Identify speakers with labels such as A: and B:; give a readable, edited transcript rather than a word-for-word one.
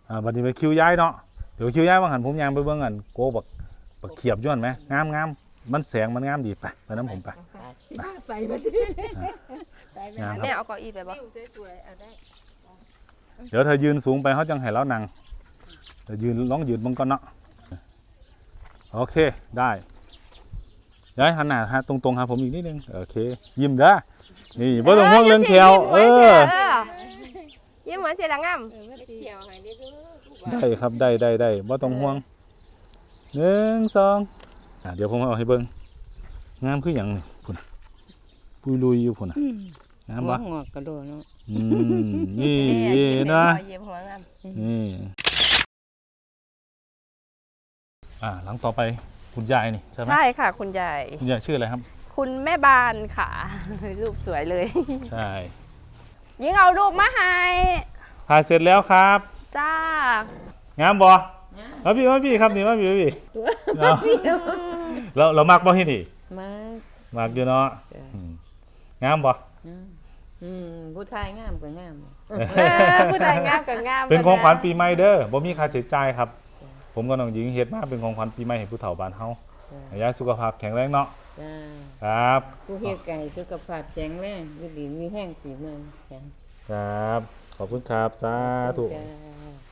A: บัดนี้ไปคิวย้ายเนาะเดี๋ยวคิวย้ายบางหันผมยางไปเบิ่งกันโกบักเขียบย้อนไหมงามมันแสงมันงามดีไปน้ำผมไป
B: ไปมาดิ
A: งามค
C: แม่
A: รับ
C: เอาเก้าอี้ไปบ่
A: เดี๋ยวเธอยืนสูงไปเขาจังให้เรานั่งเธอยืนลองยืนบังก่อนเนาะโอเคได้ย้ายหันหน้าตรงๆครับผมอีกนิดนึงโอเคยิ้มเด้อนี่บ่ต้องห่วงเรื่องแขว
C: ยิ้มเหมือนเสียงงาม
A: ได้ครับได้บ่ต้องห่วง1 2เดี๋ยวผมเอาให้เบิ่งงามคือหยังนี่พุ่นปุยลุยอยู่พุ่นน่ะงามบ่
B: งอกกระโดดเนาะ
A: นี่นะ
C: ยิ้มหัวงาม
A: นี่หลังต่อไปคุณยายนี่ใช่ไหม
C: ใช่ค่ะคุณยาย
A: คุณยายชื่ออะไรครับ
C: คุณแม่บานค่ะ รูปสวยเลย
A: ใช่
C: ยิ่งเอารูปมาให้
A: ถ่ายเสร็จแล้วครับ
C: จ้าง
A: ามบ่มาพี่ครับนี่มาพี่เรามักบ่ที่นี่
B: มา
A: มักอยู่เนาะงามบ่
B: ผู้ชายงามก็งาม
C: ผู้ใดงามก็งาม
A: เป็นของขวัญปีใหม่เด้อบ่มีค่าใช้จ่ายครับ ผมกับน้องหญิงเฮ็ดมาเป็นของขวัญปีใหม่ให้ผู้เฒ่าบ้านเฮาให้ยายสุขภาพแข็งแรงเนาะครับ
B: ผู้เฮ็ดไก่สุขภาพแข็งแรงดีมีแห้งสีเมืองแข็ง
A: ครับขอบคุณครับสาธุ
B: จ้า